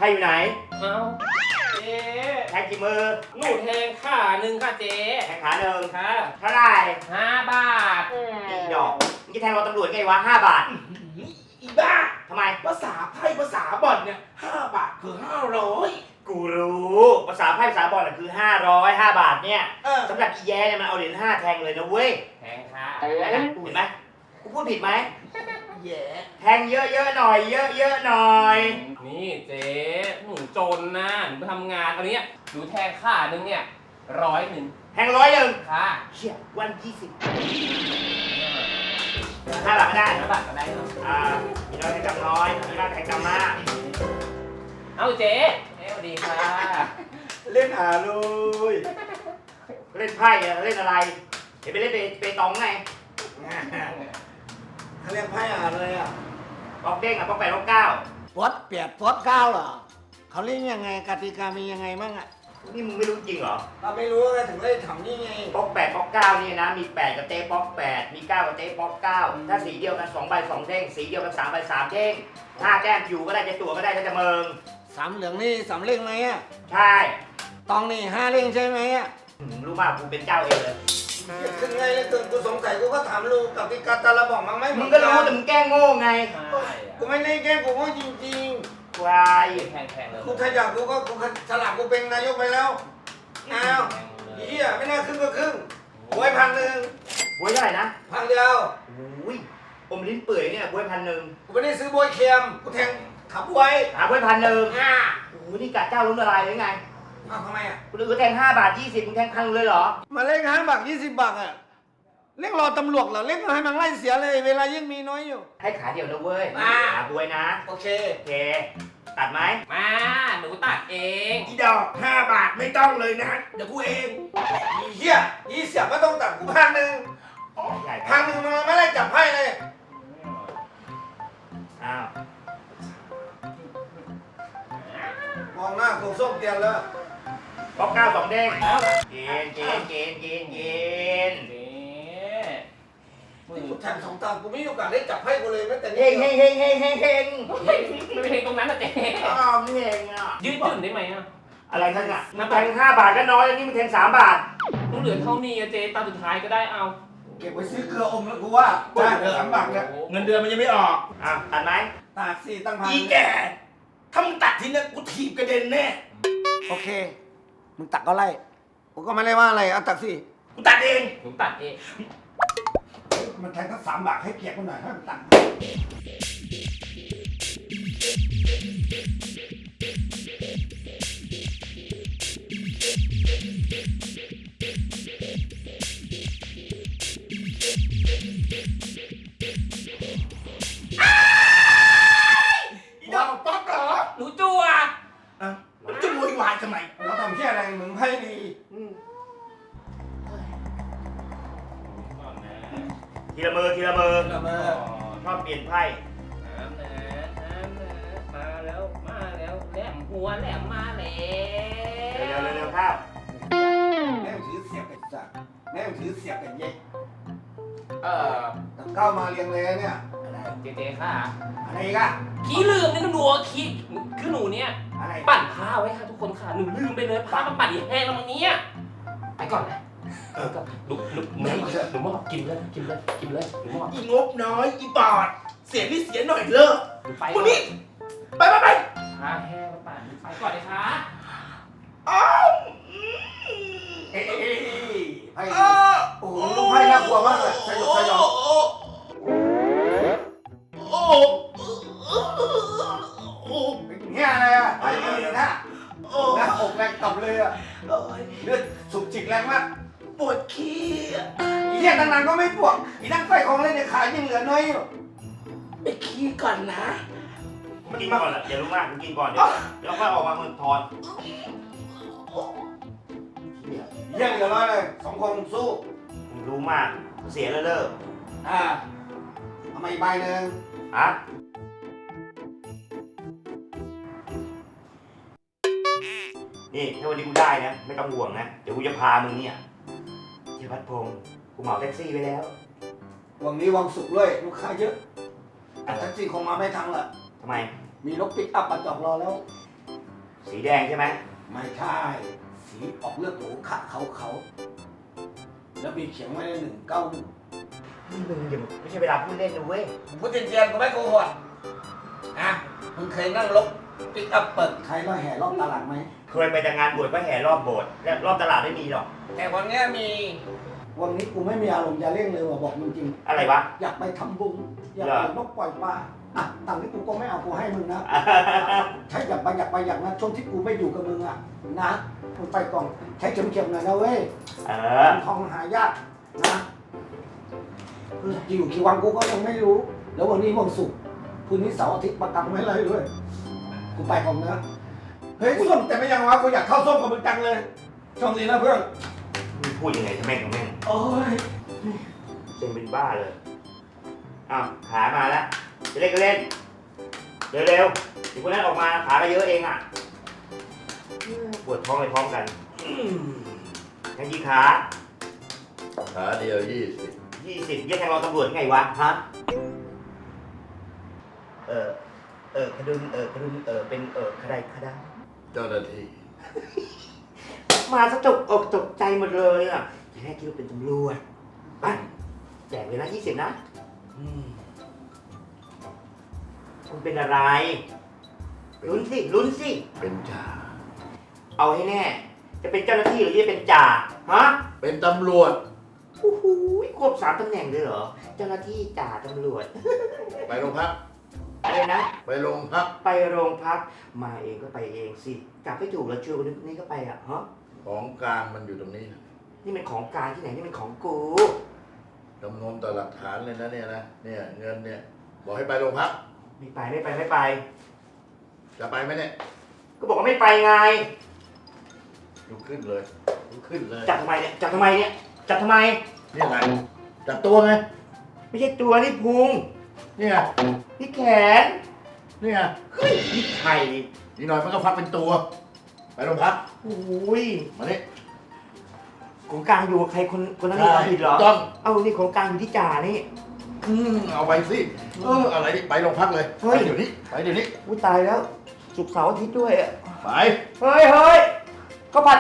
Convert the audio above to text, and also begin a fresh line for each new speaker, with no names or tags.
พ่อยู่ไหน
เอาเจ๊
แทงกี่มือ
หนูแทงขาหนึ่งค่ะเจ๊
แทงขาหนึ่ง
ค่ะ
เท่าไหร่
5 บาท
อีดอกมึงจะแทงเราตำรวจไงวะ5 บาท
อีบ้า
ทำไม
ภาษาไพ่ภาษาบอลเนี่ย5 บาทคือ500
กูรู้ภาษาไพ่ภาษาบอลคือ500 5 บาทเนี่ยสำหรับอีแย่เนี่ยมันเอาเหรียญ5แทงเลยนะเว้ย
แทงค่ะ
เห็นไหมกูพูดผิดไหม
แย่
แทงเยอะๆหน่อยเยอะๆหน่อย
นี่เจ๊หนูจนนะหนูไปทำงานตอนนี้หนูแทงขาหนึ่งเนี่ย100
แทง100
ค่ะ
เชี่ยวัน20 5 บาทก็ได้
5 บาทก็ได้เนาะ
มีน้อยแทงกำน้อยมีมากแทงกำมาก
เอาเจ๊สวัสดีค่ะ
เล่นหาเลย
เล่นไพ่เล่นอะไรเห็นไปเล่นเปตองไง
เขาเรียกไพ่หาเลยอ่ะ
ป๊อกเด้งป๊อก8ป๊อก9
ฟอส8ฟอส9เหรอเขาเล่นยังไงกติกามียังไงบ้างอ่ะ
นี่มึงไม่รู้จริงเหรอ
เราไม่รู้ไงถึงได้ทำนี่ไง
ป๊อก8ป๊อก9นี่นะมี8กับเต้ป๊อก8มี9กับเต้ป๊อก9ถ้าสีเดียวกัน2 ใบ 2 เด้งสีเดียวกัน3 ใบ 3 เด้ง5 แต้มอยู่ก็ได้จะตัวก็ได้ถ้าจะเมิง
3 เหลืองนี่3 เล่งไหมอ่ะ
ใช่
ตองนี่5 เล่งใช่ไหมอ่ะ
รู้มากกูเป็นเจ้าเองเลย
คือไงเลยกูสงสัยกูก็ถามลูกกับติกาตาละบอกมั้งไหม
มึงก็รู้แต่มึงแกล้งโง่ไง
กูไม่ได้แกล้งกูโง่จริง
ๆควาย
แทงเลย
กูถ้าอยากกูก็กูฉลาดกูเป็นนายกไปแล้วอ้าวเฮียไม่น่าครึ่งก็ครึ่งหวย1,000
บวยเท่าไหร่นะ
1,000เดียว
อุ้ยอมลิ้นเปื่อยเนี่ยบวย1,000
กูไม่ได้ซื้อบวยเค็มกูแทงขับไว้
บวย1,000โอ้ยนี่กะเจ้าล้มละลายเลยไง
ทำไมอ่ะ
กูแทง5 บาท 20มึงแทง1,000เลยเหรอ
มาเล่น5 บาท 20 บาทอ่ะเล่นรอตำรวจเหรอเล่นให้มันไล่เสียเลยเวลายิ่งมีน้อยอยู่
ให้ขาเดียวนะเว้ยบวยนะ
โอเค
ตัดไหม
มาหนูตัดเอง
อีดอก5 บาทไม่ต้องเลยนะเดี๋ยวกูเองอีเหี้ยอีเสียไม่ต้องตัดกู1,0001,000มันไม่ได้จับไพ่เลย
อ้าว
มองหน้ากูส้มเตียนแล้ว
ป๊อก9 2 เด้งเกณฑ์
กูแทง2 ตากูไม่มีโอกาสได้จับไพ่กูเลยแม้แต่
เฮง
ไม่เพลงตรงนั้นนะเจ๊
นี่เองอ่ะ
ยืดหยุ่นได้ไหมอ่ะ
อะไรทั้งอ่ะมันแทง5 บาทก็น้อยแล้วนี่มันแทง3 บาท
ต้องเหลือเท่านี้เจ๊ตาสุดท้ายก็ได้เอา
เก็บไว้ซื้อเกลืออมแล้วกูว่าจ้าเดือน3 บาทเนี่ยเงินเดือนมันยังไม่ออก
ตัดไหม
ตัดสิตั้งพันอีแก่ถ้ามึงตัดทีนี้กูถีบกระเด็นแน่โอเคมึงตัดก็ไล่กูก็ไม่ได้ว่าอะไรเอาตัดสิกูตัดเอง
หนูตัดเอง
มันแทงทั้ง3 บาทให้เกียรติมันหน่อยให้มันตัดป๊อกเหรอ
หนูจั่ว
มันจะโวยวายทำไมเราทำแค่อะไรมึงให้ดี
ทีละมือชอบเปลี่ยนไพ่
มาแล้วแหลมหัวแหลมมาแล้ว
เร็วข้าว
แม่ถือเสียบกันจ้ะแม่ถือเสียบกันเย็กเข้ามาเรียงเลยเนี่ย
อะไรเจ๊ค่ะ
อะไรกัน
ขี้ลืมนี่หนูขี้คือหนูเนี่ยปั่นผ้าไว้ค่ะทุกคนค่ะหนูลืมไปเลยผ้ามันปั่นแห้งแล้วมั้งเนี่ยไปก่อนนะลุกหนูมอบกินเลยหนูมอบ
อีงบน้อยอีปอดเสียนี่เสียหน่อยเลิกพวกนี้ไป
ผ้าแห้งปั่นไปก่อนเลยค่ะ
ไพ่โอ้โหลูกไพ่น่ากลัวมากเลยสยองเงี้ยอะไรอ่ะไพ่ดีนะหน้าอกแรงต่ำเลยอ่ะเลือดสูบจิกแรงมากปวดขี้อีเนี่ยตั้งนานก็ไม่ปวดอีนั่งไฟของเล่นในขายังเหลือน้อยอยู่ไปขี้ก่อนนะ
กินก่อนแหละอย่ารู้มากกินก่อนเดี๋ยวแล้วค่อยออกมามึงถอน
เยี่ยงเหลือน้อยเลย2 คนสู้
มึงรู้มากเสียเลิก
ทำไมใบหนึ่ง
นี่ถ้าวันนี้กูได้นะไม่ต้องห่วงนะเดี๋ยวกูจะพามึงเนี่ยเที่ยวพัดพงกูเหมาแท็กซี่ไปแล้ว
วันนี้วันศุกร์ด้วยลูกค้าเยอะแท็กซี่คงมาไม่ทันละ
ทำไม
มีรถปิกอัพมาจอดรอแล้ว
สีแดงใช่ไหม
ไม่ใช่ สีออกเลือดหมูขะเขาแล้วมีเขียนไว้ใน191
นี่มึงอย่าไม่ใช่เวลาพูดเล่นนะเว้ย
ผมพูดจริงๆกูไม่โกหกนะมึงเคยนั่งรถปิกอัพเปิดใครแล้วแห่รอบตลาดไหม
เคยไปแต่งานบวชก็แห่รอบโบสถ์และรอบตลาดไม่มีหรอก
แต่วันนี้มี วันนี้กูไม่มีอารมณ์จะเร่งเลยว่ะบอกจริง
อะไรวะ
ๆอยากไปทำบุญอยากไปนกปล่อยปลาอ่ะตังค์ที่กูก็ไม่เอากูให้มึงนะใช่อยากไปอย่างนั้นช่วงที่กูไม่อยู่กับมึงอ่ะนะมึงไปก่อนใช้เข็มๆหน่อยนะเว้ย ทองหายากนะอยู่กี่วันกูก็ยังไม่รู้ แล้ววันนี้วันศุกร์คืนนี้เสาร์อาทิตย์ประกันไว้เลยด้วยกูไปก่อนนะเฮ้ยส้มแต่ไม่ยังวะกูอยากเข้าส้มกับมึงจังเลยช่วงนี้นะเพื่อน
มึงพูดยังไงทำแม่งของแม่ง
โอ้ย
เซ็งเป็นบ้าเลยอ้าวขามาแล้วจะเล่นก็เล่นเร็วๆเดี๋ยวคนนั้นออกมาขาก็เยอะเองอ่ะปวดท้องเลยพร้อมกันยังกี่ขา
ขาเดียว20
20ยี่แทงรอตำรวจไงวะฮะขดุนขดุนเป็นขดายขดา
เจ้าหน้าที่
มาซะตกอกตกใจหมดเลยอ่ะทีแรกคิดว่าเป็นตำรวจไปแจกเลยนะ20นะคุณเป็นอะไรลุ้นสิ
เป็นจ่า
เอาให้แน่ จะเป็นเจ้าหน้าที่หรือจะเป็นจ่าฮะ
เป็นตำรวจ
โอ้โหควบ3ตำแหน่งเลยเหรอเจ้าหน้าที่จ่าตำรวจ
ไปโรงพัก
อะไรนะ
ไปโรงพัก
ไปโรงพักมาเองก็ไปเองสิกลับไม่ถูกแล้วชวนคนนี้ก็ไปอ่ะฮะ
ของกลางมันอยู่ตรงนี้นะ
นี่เป็นของกลางที่ไหนนี่เป็นของกู
จำนวนต่อหลักฐานเลยนะเนี่ยนะ เนี่ยเงินเนี่ย บอกให้ไปโรงพัก
ไม่ไป
จะไปไหมเนี่ย
ก็บอกว่าไม่ไปไง
ลุกขึ้นเลยลุกขึ้นเลย
จับทำไมเนี่ยจับทำไม
นี่อะไรจับตัวไง
ไม่ใช่ตัวนี่พุง
เนี่ย
นี่แขน
เนี่ย
เฮ้ยนี่ไข่
นี่หน่อยมันก็ฟักเป็นตัว ไปโรงพัก
โอ้ย
มานี่
ของกลางอยู่กับใครคนนั้นมีความผิดเหรอ
ถูกต้อง
เอานี่ของกลางอยู่ที่จ่านี่
เอาไปสิอะไรนี่ไปโรงพักเลย
เฮ้
ไป
ย
เดี๋ยวนี้ไปเดี๋ยวนี้
อุ้ยตายแล้วศุกร์เสาร์อาทิตย์ด้วยอ่ะ
ไป
เฮ้ยเขาผัด